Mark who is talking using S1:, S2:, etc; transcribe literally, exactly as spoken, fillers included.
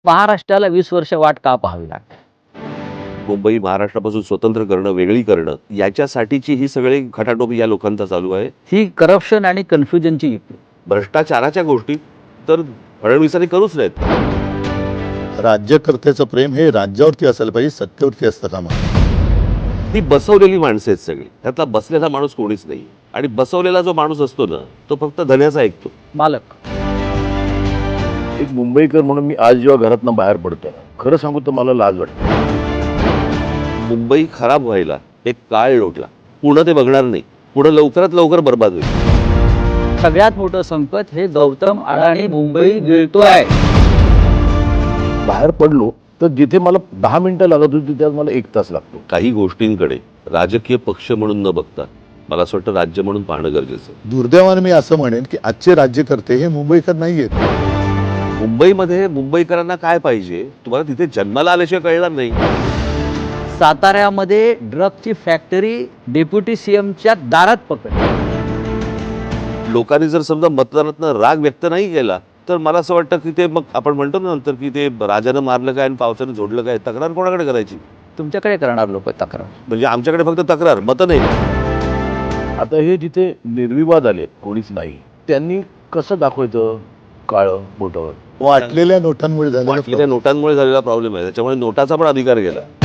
S1: महाराष्ट्राला वीस वर्ष वाट का पाहावी लागते?
S2: मुंबई महाराष्ट्रापासून स्वतंत्र करणं, वेगळी करणं याच्यासाठीची ही सगळी खटाटोपी या लोकांचा चालू आहे.
S1: ही करप्शन आणि कन्फ्युजनची युक्ती.
S2: भ्रष्टाचाराच्या गोष्टी तर फडणवीसांनी करूच नाहीत.
S3: राज्यकर्त्याचं प्रेम हे राज्यावरती असायला पाहिजे, सत्तेवरती असतं कामा नये.
S2: ती बसवलेली माणसं आहेत सगळी. त्यातला बसलेला माणूस कोणीच नाही. आणि बसवलेला जो माणूस असतो ना, तो फक्त धन्याचा ऐकतो.
S1: मालक.
S4: एक मुंबईकर म्हणून मी आज जेव्हा घरातनं बाहेर पडतो, खरं सांगू तर मला लाज वाटते.
S2: मुंबई खराब व्हायला एक काळ लोटला. पुढं ते बघणार नाही. पुढं लवकरात लवकर बर्बाद होईल.
S1: सगळ्यात मोठं संकट हे गौतम अडाणी मुंबई गिळतोय.
S4: बाहेर पडलो तर जिथे मला दहा मिनिटं लागत होती त्यात मला एक तास लागतो.
S2: काही गोष्टींकडे राजकीय पक्ष म्हणून न बघता मला असं वाटतं राज्य म्हणून पाहणं गरजेचं आहे.
S3: दुर्दैवाने मी असं म्हणेन की आजचे राज्यकर्ते हे मुंबईकर नाही आहेत.
S2: मुंबईमध्ये मुंबईकरांना काय पाहिजे तुम्हाला तिथे जन्माला आल्याशिवाय कळणार नाही.
S1: साताऱ्यामध्ये ड्रगची फॅक्टरी डेप्युटी सीएमच्या दारात पकडली.
S2: लोकांनी जर समजा मतदानातनं राग व्यक्त नाही केला तर मला असं वाटतं की ते मग आपण म्हणतो ना नंतर की ते राजानं मारलं काय आणि पावसानं झोडलं काय, तक्रार कोणाकडे करायची?
S1: तुमच्याकडे करणार लोक तक्रार.
S2: म्हणजे आमच्याकडे फक्त तक्रार, मतं नाही.
S4: आता हे जिथे निर्विवाद आले कोणीच नाही, त्यांनी कसं दाखवायचं काळं मोठं?
S3: वाटलेल्या नोटांमुळे झालेलं
S2: वाटलेल्या नोटांमुळे झालेला प्रॉब्लेम आहे. त्याच्यामुळे नोटाचा पण अधिकार गेला.